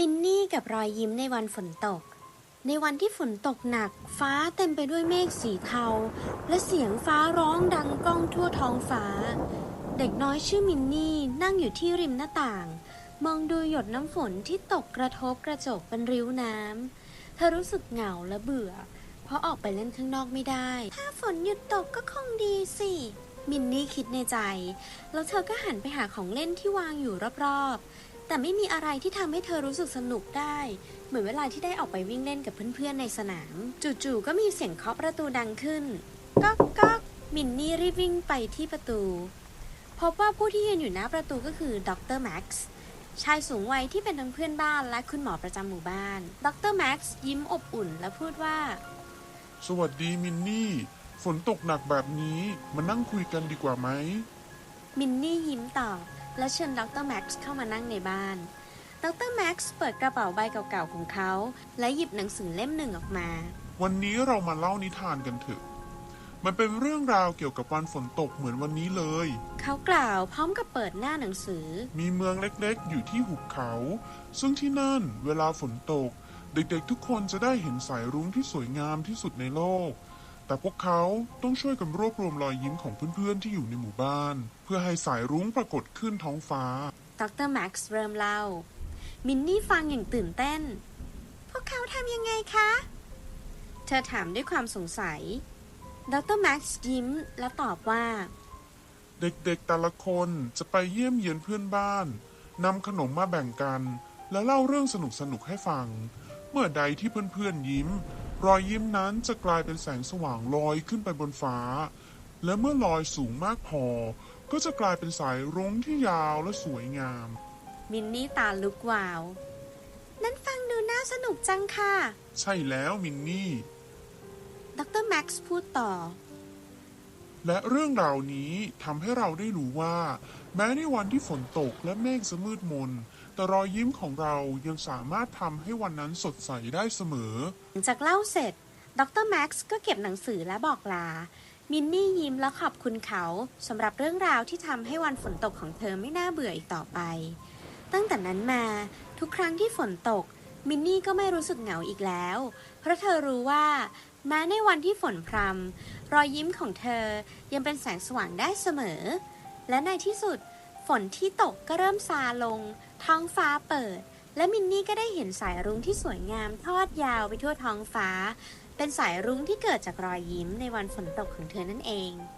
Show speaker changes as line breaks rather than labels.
มินนี่กับรอยยิ้มในวันฝนตกในวันที่ฝนตกหนักฟ้าเต็มไปด้วยเมฆสีเทาและเสียงฟ้าร้องดังก้องทั่วท้องฟ้าเด็กน้อยชื่อมินนี่นั่งอยู่ที่ริมหน้าต่างมองดูหยดน้ำฝนที่ตกกระทบกระจกเป็นริ้วน้ำเธอรู้สึกเหงาและเบื่อเพราะออกไปเล่นข้างนอกไม่ได้ถ้าฝนหยุดตกก็คงดีสิมินนี่คิดในใจแล้วเธอก็หันไปหาของเล่นที่วางอยู่รอบๆแต่ไม่มีอะไรที่ทำให้เธอรู้สึกสนุกได้เหมือนเวลาที่ได้ออกไปวิ่งเล่นกับเพื่อนๆในสนามจู่ๆก็มีเสียงเคาะประตูดังขึ้นก๊อกก๊อกมินนี่รีบวิ่งไปที่ประตูพบว่าผู้ที่ยืนอยู่หน้าประตูก็คือดรแม็กซ์ชายสูงวัยที่เป็นทั้งเพื่อนบ้านและคุณหมอประจำหมู่บ้านดรแม็กซ์ยิ้มอบอุ่นและพูดว่า
สวัสดีมินนี่ฝนตกหนักแบบนี้มานั่งคุยกันดีกว่าไหม
มินนี่ยิ้มตอบและเชิญดรแม็กซ์เข้ามานั่งในบ้านดรแม็กซ์เปิดกระเป๋าใบเก่าๆของเขาและหยิบหนังสือเล่มหนึ่งออกมา
วันนี้เรามาเล่านิทานกันเถอะมันเป็นเรื่องราวเกี่ยวกับวันฝนตกเหมือนวันนี้เลย
เขากล่าวพร้อมกับเปิดหน้าหนังสือ
มีเมืองเล็กๆอยู่ที่หุบเขาซึ่งที่นั่นเวลาฝนตกเด็กๆทุกคนจะได้เห็นสายรุ้งที่สวยงามที่สุดในโลกแต่พวกเขาต้องช่วยกันรวบรวมรอยยิ้มของเพื่อนๆที่อยู่ในหมู่บ้านเพื่อให้สายรุ้งปรากฏขึ้นท้องฟ้า
ดรแม็กซ์เริ่มเล่ามินนี่ฟังอย่างตื่นเต้นพวกเขาทำยังไงคะเธอถามด้วยความสงสัยดรแม็กซ์ยิ้มและตอบว่า
เด็กๆแต่ละคนจะไปเยี่ยมเยียนเพื่อนบ้านนำขนมมาแบ่งกันและเล่าเรื่องสนุกๆให้ฟังเมื่อใดที่เพื่อนๆยิ้มรอยยิ้มนั้นจะกลายเป็นแสงสว่างลอยขึ้นไปบนฟ้าและเมื่อลอยสูงมากพอก็จะกลายเป็นสายรุ้งที่ยาวและสวยงาม
มินนี่ตาลุกวาวนั่นฟังดูน่าสนุกจังค่ะ
ใช่แล้วมินนี่
ดรแม็กซ์พูดต่อ
และเรื่องราวนี้ทำให้เราได้รู้ว่าแม้ในวันที่ฝนตกและเมฆจะมืดมนแต่รอยยิ้มของเรายังสามารถทำให้วันนั้นสดใสได้เสมอ
หลังจากเล่าเสร็จดรแม็กซ์ก็เก็บหนังสือและบอกลามินนี่ยิ้มและขอบคุณเขาสำหรับเรื่องราวที่ทำให้วันฝนตกของเธอไม่น่าเบื่ออีกต่อไปตั้งแต่นั้นมาทุกครั้งที่ฝนตกมินนี่ก็ไม่รู้สึกเหงาอีกแล้วเพราะเธอรู้ว่าแม้ในวันที่ฝนพรำรอยยิ้มของเธอยังเป็นแสงสว่างได้เสมอและในที่สุดฝนที่ตกก็เริ่มซาลงท้องฟ้าเปิดและมินนี่ก็ได้เห็นสายรุ้งที่สวยงามทอดยาวไปทั่วท้องฟ้าเป็นสายรุ้งที่เกิดจากรอยยิ้มในวันฝนตกของเธอนั่นเอง